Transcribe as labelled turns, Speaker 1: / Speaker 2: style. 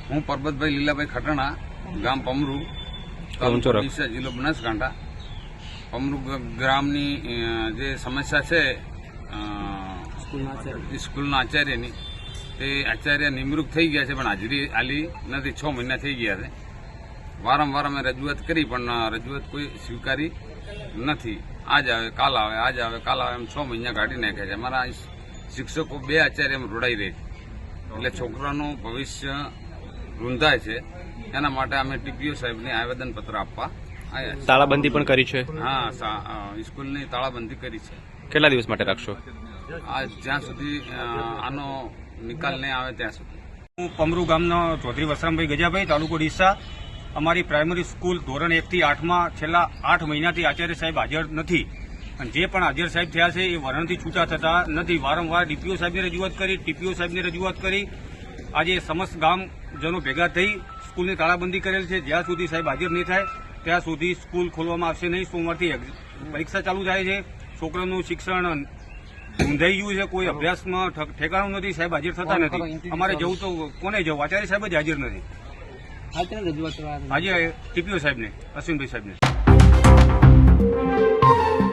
Speaker 1: હું પરબતભાઈ લીલાભાઈ ખટણા, ગામ પમરુ, તાલુકો ડીસા, જિલ્લો બનાસકાંઠા. પમરુ ગ્રામની જે સમસ્યા છે સ્કૂલના આચાર્યની, તે આચાર્ય નિમણૂક થઈ ગયા છે પણ હાજરી આલી નથી. 6 મહિના થઈ ગયા છે. વારંવાર અમે રજૂઆત કરી પણ રજૂઆત કોઈ સ્વીકારી નથી. આજ આવે કાલ આવે, આજ આવે કાલ આવે, એમ 6 મહિના કાઢી નાખ્યા છે. અમારા શિક્ષકો 2 આચાર્ય એમ રોડાઈ રહે છે. એટલે છોકરાનું ભવિષ્ય રૂંધાય છે. એના માટે અમે ટીપીઓ સાહેબને આવેદનપત્ર આપવા આવ્યા છે.
Speaker 2: તાળાબંધી પણ કરી છે?
Speaker 1: હા, સ્કૂલની તાળાબંધી કરી છે.
Speaker 2: કેટલા દિવસ માટે રાખશો?
Speaker 1: જ્યાં સુધી આનો નિકાલ નહીં આવે ત્યાં સુધી.
Speaker 3: હું પમરુ ગામનો ચૌધરી વસરામભાઈ ગજાભાઈ, તાલુકો ડીસા. અમારી પ્રાઇમરી સ્કૂલ ધોરણ 1 થી 8માં છેલ્લા 8 મહિનાથી આચાર્ય સાહેબ હાજર નથી. અને જે પણ હાજર સાહેબ થયા છે એ વરણથી છૂટા થતા નથી. વારંવાર ડીપીઓ સાહેબને રજૂઆત કરી, ટીપીઓ સાહેબને રજૂઆત કરી. આજે સમસ્ત ગામજનો ભેગા થઈ સ્કૂલની તાળાબંધી કરેલ છે. જ્યાં સુધી સાહેબ હાજર નહીં થાય ત્યાં સુધી સ્કૂલ ખોલવામાં આવશે નહીં. સોમવારથી પરીક્ષા ચાલુ થાય છે. છોકરાનું શિક્ષણ ઊંધાઈ ગયું છે. કોઈ અભ્યાસમાં ઠેકાણું નથી. સાહેબ હાજર થતા નથી. અમારે જવું તો કોને જવું? આચાર્ય સાહેબ જ હાજર નથી. આજે ટીપીઓ સાહેબને, અશ્વિનભાઈ સાહેબને.